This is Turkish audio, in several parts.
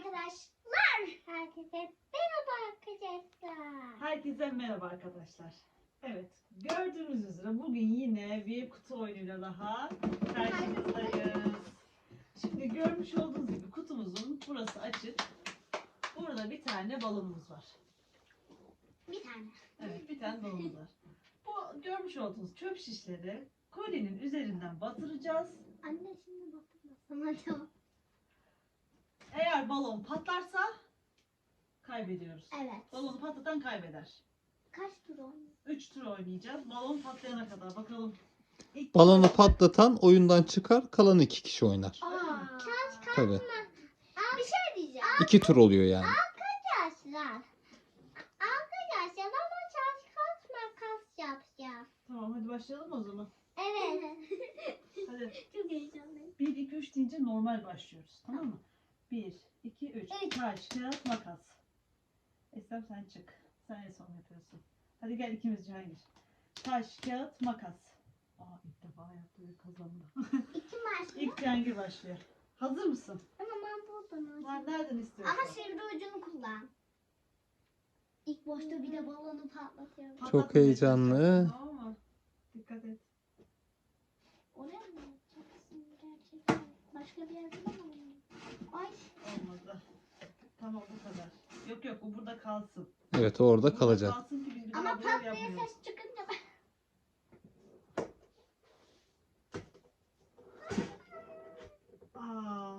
arkadaşlar. Herkese merhaba arkadaşlar. Herkese merhaba arkadaşlar. Evet, gördüğünüz üzere bugün yine bir kutu oyunuyla daha karşınızdayız. Şimdi görmüş olduğunuz gibi kutumuzun burası açık. Burada bir tane balonumuz var. Bir tane. Evet, bir tane balonumuz var. Bu görmüş olduğunuz çöp şişleri kolinin üzerinden batıracağız. Anne şimdi batırmasam acaba? Eğer balon patlarsa kaybediyoruz. Evet. Balonu patlatan kaybeder. Kaç tur oynuyor? 3 tur oynayacağız. Balon patlayana kadar bakalım. İlk Balonu patlatan oyundan çıkar, kalan 2 kişi oynar. Kaç Tabii. Bir şey diyeceğim. 2 tur oluyor yani. Arkadaşlar. Arkadaşlar ama kaç makas yapacağız. Tamam, hadi başlayalım o zaman. Evet. Hadi. Çok heyecanlıyım. 1, 2, 3 deyince normal başlıyoruz. Tamam mı? 1, 2, 3. Evet. Taş, kağıt, makas. Eslem sen çık. Sen en son yapıyorsun. Hadi gel ikimiz Cihangir. Taş, kağıt, makas. Aa, ilk defa yaptı ve kazandı. İki maç. İlk Cihangir başlıyor. Hazır mısın? Ama ben buradan Var, nereden istiyorsun? Ama sivri ucunu kullan. İlk boşta bir de balonu patlatıyorum. Patlatma Çok heyecanlı. yapacaksın, tamam mı? Dikkat et. Oraya mı yapacaksın gerçekten? Başka bir yerde mi? Ay. Olmadı. Tamam, bu kadar. Yok yok, bu burada kalsın. Evet, orada Burada kalacak. kalsın ki biz bir Ama daha böyle patlaya yapmıyoruz. ses çıkınca ben... Aa,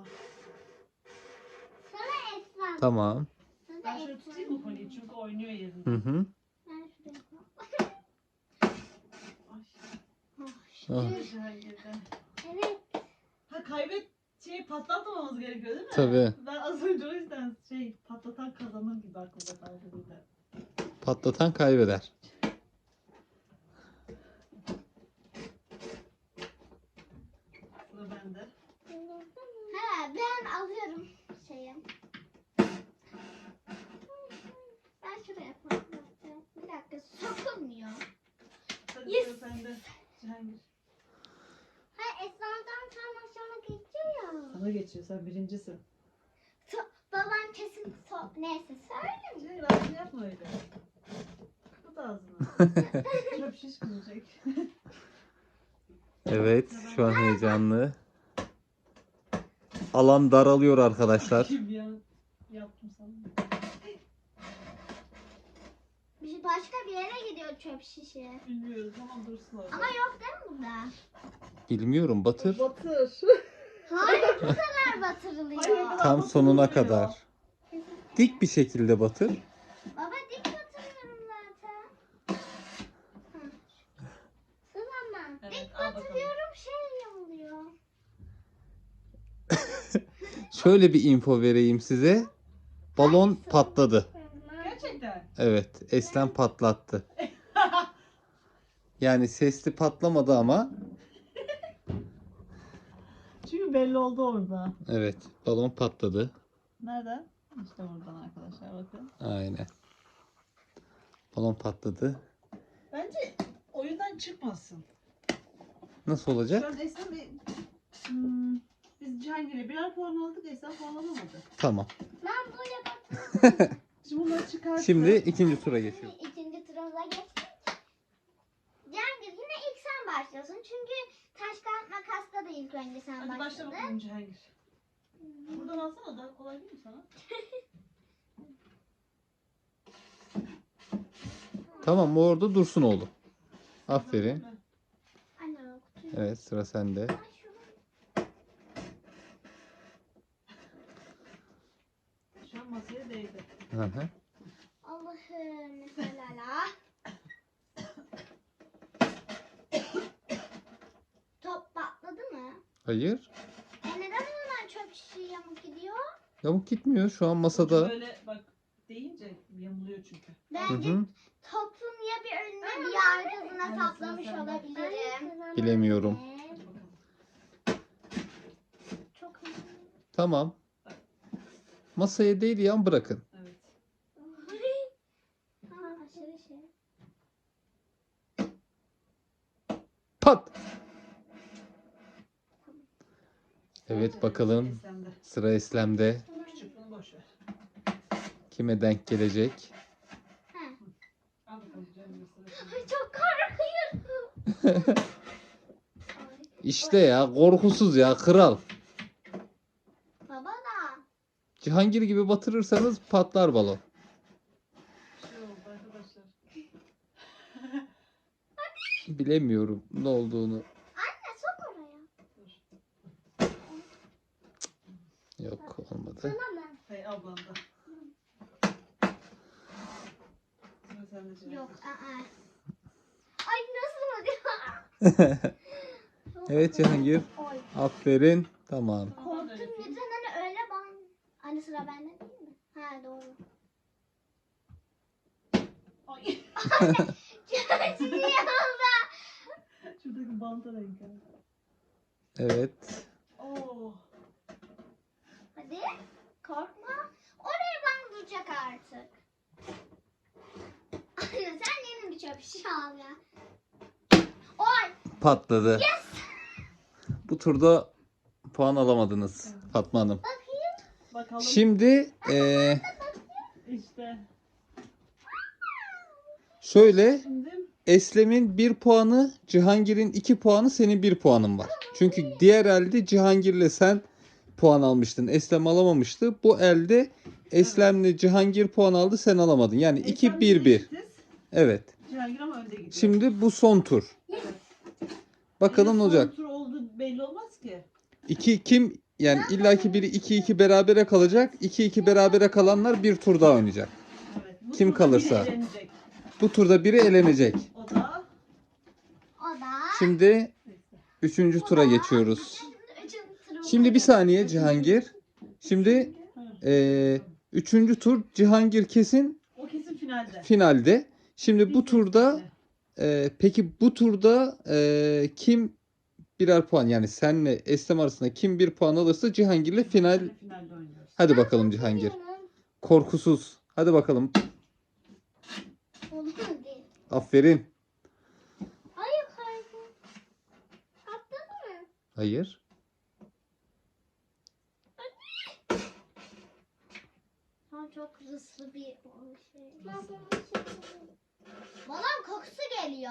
Sana Esra. Tamam. Sana ben şöyle Esra. tutayım mı kolyeyi çünkü oynuyor yerinde. Hı hı. Ben şuraya koy. Ay, Ah, şöyle Cihangir'de. Evet. Ha, patlatmamamız gerekiyor değil mi? Tabii. Ben az önce o yüzden patlatan kazanır gibi aklımda kaldı bir de. patlatan kaybeder. Sıra bende. Ha, ben alıyorum şeyi. Ben şuraya patlatacağım. Bir dakika sokulmuyor. Hadi Yes. sıra sende Cihangir. Ha Esra'dan tam aşağıma geçiyor ya. Sana geçiyor, sen birincisin. Babam kesin neyse söyle. Ağzını yapma öyle. Kapat ağzını. Çöp şiş kıracak. Evet, şu an heyecanlı. Alan daralıyor arkadaşlar. Kim ya? Yaptım sana. Başka bir yere gidiyor çöp şişi. Bilmiyoruz ama dursun orada. Ama yok değil mi burada? Bilmiyorum, batır. Batır. Hayır bu kadar batırılıyor. Hayır, Tam sonuna kadar. Dik bir şekilde batır. Baba dik batırıyorum zaten. Hı. Sılama. Evet, Dik al bakalım. batırıyorum şey oluyor. Şöyle bir info vereyim size. Balon patladı. Gerçekten. Evet, Eslem patlattı. Yani sesli patlamadı ama Çünkü belli oldu orada. evet, balon patladı. Nereden? İşte buradan arkadaşlar bakın. Aynen. Balon patladı. Bence oyundan çıkmasın. Nasıl olacak? Şu an Eslem biz Cihangir'e birer puan aldık, Eslem puan alamadı. Tamam. Ben böyle Şimdi bunları çıkartıp Şimdi ikinci tura geçiyor. İkinci turumuza geçtik. Cengiz yine ilk sen başlıyorsun. Çünkü taş kağıt makasta da ilk önce sen Hadi başla başladın. bakalım Cihangir. Buradan alsana, daha kolay değil mi sana? Tamam, o orada dursun oğlum. Aferin. Anne o kutuyu. Evet, sıra sende. Ay, şunu- Şu an masaya değdi. Hı hı. Allah'ım mesela la. Top patladı mı? Hayır. Neden onlar çöp şişi yamuk gidiyor? Yamuk gitmiyor. Şu an Ucu masada. böyle bak deyince yamuluyor çünkü. Hı Bence hı. topun ya bir önüne bir arkasına Aynen, saplamış sen de. olabilirim. Bilemiyorum. Hadi bakalım. Çok Tamam. Masaya değil yan bırakın. Evet. aşırı şey. Pat. Evet, bakalım. Eslem'de. Sıra Eslem'de. Küçük, bunu boş ver. Kime denk gelecek? Ha. Al bakalım canım. Ay çok korkuyorum. Ay, İşte ya, korkusuz ya, kral. baba da. Cihangir gibi batırırsanız patlar balon. Bir şey oldu arkadaşlar. Bilemiyorum ne olduğunu. Anne sok oraya. Dur. Yok, olmadı. Tamam mı? Hey ablanda. Sıra sende Cihangir. Yok. Ay nasıl oluyor? Evet Cihangir. Oy. Aferin. Tamam. Korktum lütfen hani öyle ban. Hani sıra bende değil mi? Ha doğru. Ay. Çok iyi oldu. Şuradaki banta renk. Evet. Oo. Hadi korkma. Oraya bana duracak artık. Anne sen yeni bir çöp şişe al ya. Oy. Patladı. Yes. Bu turda puan alamadınız Fatma Hanım. Bakayım. Bakalım. Şimdi İşte. şöyle, Şimdi Eslem'in 1 puanı, Cihangir'in 2 puanı, senin 1 puanın var. Çünkü diğer elde Cihangir'le sen puan almıştın. Eslem alamamıştı. Bu elde Eslem'le Cihangir puan aldı, sen alamadın. Yani Eslem'le 2-1-1. eşitiz. Evet. Cihangir ama önde gidiyor. Şimdi bu son tur. Evet. Bakalım ne olacak. Son tur oldu belli olmaz ki. 2 kim, yani illaki biri 2-2 berabere kalacak. 2-2 berabere kalanlar bir tur daha oynayacak. Evet. Bu Kim turda biri kalırsa. elenecek. Bu turda biri elenecek. O da O da. Şimdi neyse. 3. tura geçiyoruz. Üçüncü Şimdi bir saniye Cihangir. Şimdi Ha. 3. tur Cihangir kesin O kesin finalde. finalde. Şimdi bu Biz turda finalde. peki bu turda kim birer puan, yani senle Eslem arasında kim bir puan alırsa Cihangir'le final. Finalde oynuyoruz. Hadi bakalım Cihangir. Korkusuz. Hadi bakalım. Olur değil. Aferin. Hayır hayır. Atladın mı? Hayır. Şu çok hızlı bir şey. Balon kokusu geliyor.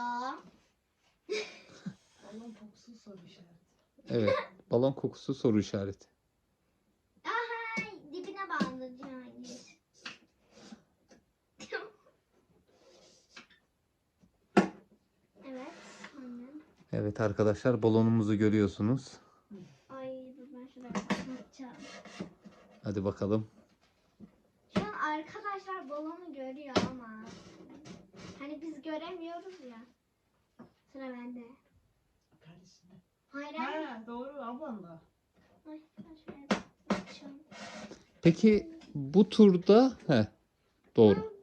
Balon kokusu soru işareti. Evet. Balon kokusu soru işareti. Aha dibine bağlı Cihangir. Evet annem. Evet arkadaşlar, balonumuzu görüyorsunuz. Ay dur ben şuraya bakacağım. Hadi bakalım. Şu an arkadaşlar balonu görüyor ama hani biz göremiyoruz ya. Sıra bende. Kardeşine. Hayır hayır. Ha doğru ablanla. Ay ben şuraya bakacağım. Peki bu turda doğru.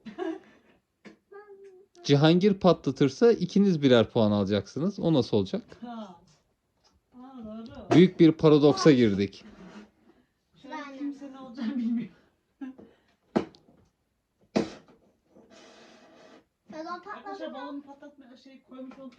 Cihangir patlatırsa ikiniz birer puan alacaksınız. O nasıl olacak? Ha. Aa doğru. Büyük bir paradoksa girdik. Şu an kimse ne olacağını bilmiyor. Balon Arkadaşlar patladı. balonu patlatmaya koymuş olduk.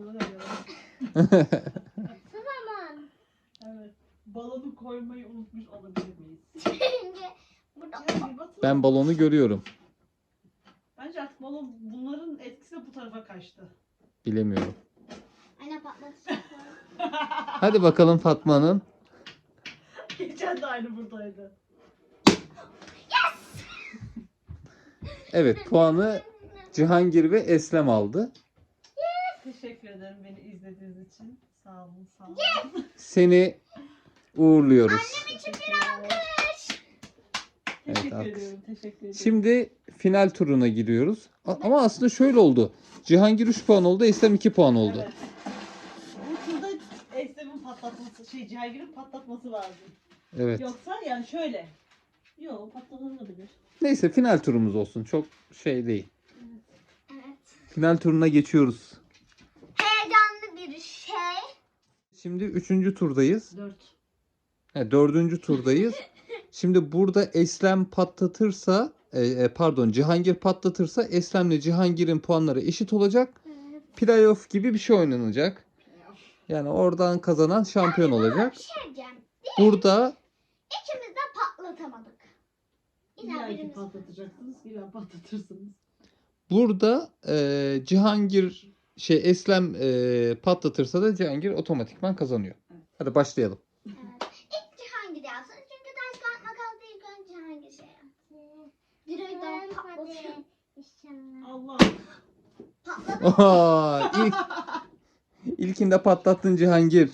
Tamam. Evet. Balonu koymayı unutmuş olabilir miyiz? Çünkü burada Cihangir batır. Ben balonu görüyorum. Bence artık balon bunların etkisiyle bu tarafa kaçtı. Bilemiyorum. anne patlatacaklar. Hadi bakalım Fatma Hanım. Geçen de aynı buradaydı. Evet, puanı Cihangir ve Eslem aldı. Teşekkür ederim beni izlediğiniz için. Sağ olun, sağ olun. Seni uğurluyoruz. Teşekkürler. Evet, Teşekkür alkış. ediyorum, teşekkür ederim. Şimdi final turuna giriyoruz. Ama aslında şöyle oldu. Cihangir 3 puan oldu, Eslem 2 puan oldu. Evet. Bu turda Eslem'in patlatması, Cihangir'in patlatması lazım. Evet. Yoksa yani şöyle. Yok patlatılabilir. Neyse, final turumuz olsun. Çok şey değil. Evet. Final turuna geçiyoruz. Heyecanlı bir şey. Şimdi 3. turdayız. 4. 4. turdayız. Şimdi burada Eslem patlatırsa, Cihangir patlatırsa Eslem'le Cihangir'in puanları eşit olacak. Evet. Playoff gibi bir şey oynanacak. Yani oradan kazanan şampiyon olacak. Bir şey diyeceğim. Burada İkimiz de patlatamadık. İlla İlla ki birimiz. patlatacaksınız, illa patlatırsınız. Burada Cihangir Eslem patlatırsa da Cihangir otomatikman kazanıyor. Evet. Hadi başlayalım. Evet. İlk Cihangir yapsın. Çünkü taş kağıt makasla ilk önce Cihangir şey yapsın. Direkten patlatıyor. Allah. Patladı. Oha, ilkinde patlattın Cihangir.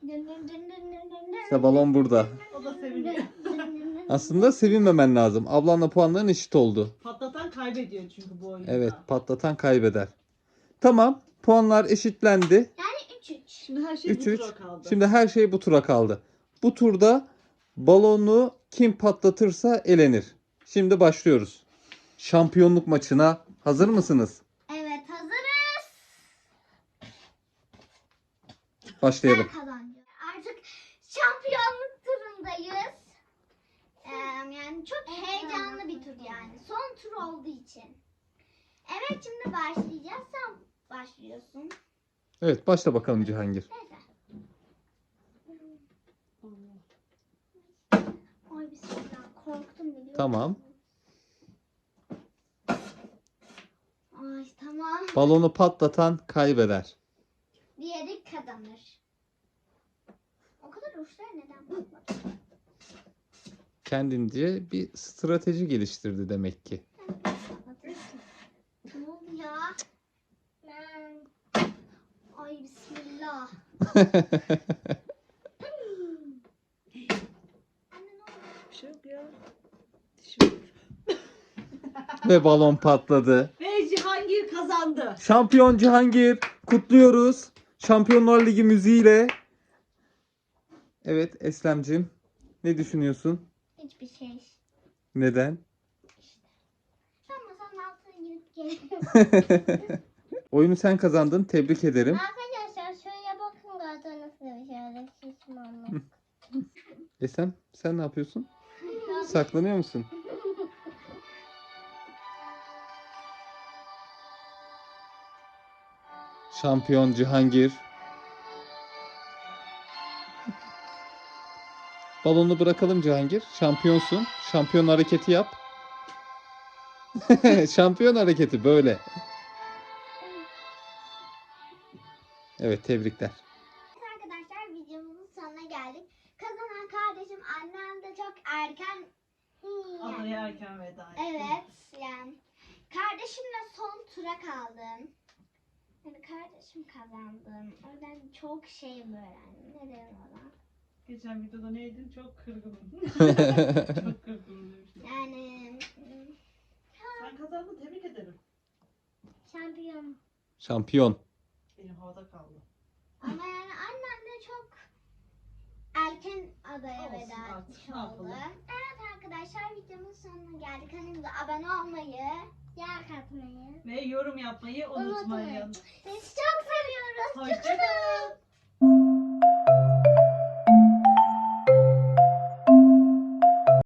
İşte balon burada. O da seviniyor. Aslında sevinmemen lazım. Ablanla puanların eşit oldu. Patlatan kaybediyor çünkü bu oyunda. Evet, patlatan kaybeder. Tamam, puanlar eşitlendi. Yani 3-3. Şimdi her şey bu 3-3. tura kaldı. Şimdi her şey bu tura kaldı. Bu turda balonu kim patlatırsa elenir. Şimdi başlıyoruz. Şampiyonluk maçına hazır mısınız? Evet, hazırız. Başlayalım. Ben kazanacağım. Artık şampiyonluk turundayız. Yani çok heyecanlı bir tur yani. Son tur olduğu için. Evet, şimdi başlayacağız. Sen başlıyorsun. Evet, başla bakalım Cihangir. Neyse. Allah. Ay bismillah, korktum biliyor musun? Tamam. Ay tamam. Balonu patlatan kaybeder. Diğeri kazanır. O kadar uçlar neden patladı? Kendince bir strateji geliştirdi demek ki. Ne oldu ya? Ay bismillah. Anne ne oldu? Bir şey yok ya. Dişim. Ve balon patladı. Ve Cihangir kazandı. Şampiyon Cihangir. Kutluyoruz. Şampiyonlar Ligi müziğiyle. Evet Eslemciğim. Ne düşünüyorsun? Hiçbir şey. Neden? Ben masanın altına girip geliyorum. Oyunu sen kazandın. Tebrik ederim. Arkadaşlar şöyle bakın zaten nasıl bir şöyle şişmanlık. Eslem sen ne yapıyorsun? Saklanıyor musun? Şampiyon Cihangir. Balonu bırakalım Cihangir. Şampiyonsun. Şampiyon hareketi yap. Şampiyon hareketi böyle. Evet tebrikler. Arkadaşlar videomuzun sonuna geldik. Kazanan kardeşim annem de çok erken Adaya erken veda etti. evet yani kardeşimle son tura kaldım. Yani kardeşim kazandım. Oradan çok şey öğrendim. Ne derim ona? Geçen videoda neydin? Çok kırgınım. Çok kırgınım demiştim. Yani Sen kazandın, tebrik ederim. şampiyon. Şampiyon. Benim havada kaldı. Ama yani annem de çok erken adaya Olsun veda artık, etmiş ne oldu. yapalım? Evet arkadaşlar videomuz sonuna geldik. Kanalımıza abone olmayı, like atmayı Ve yorum yapmayı unutmayın. Sizi çok seviyoruz. Hoşçakalın.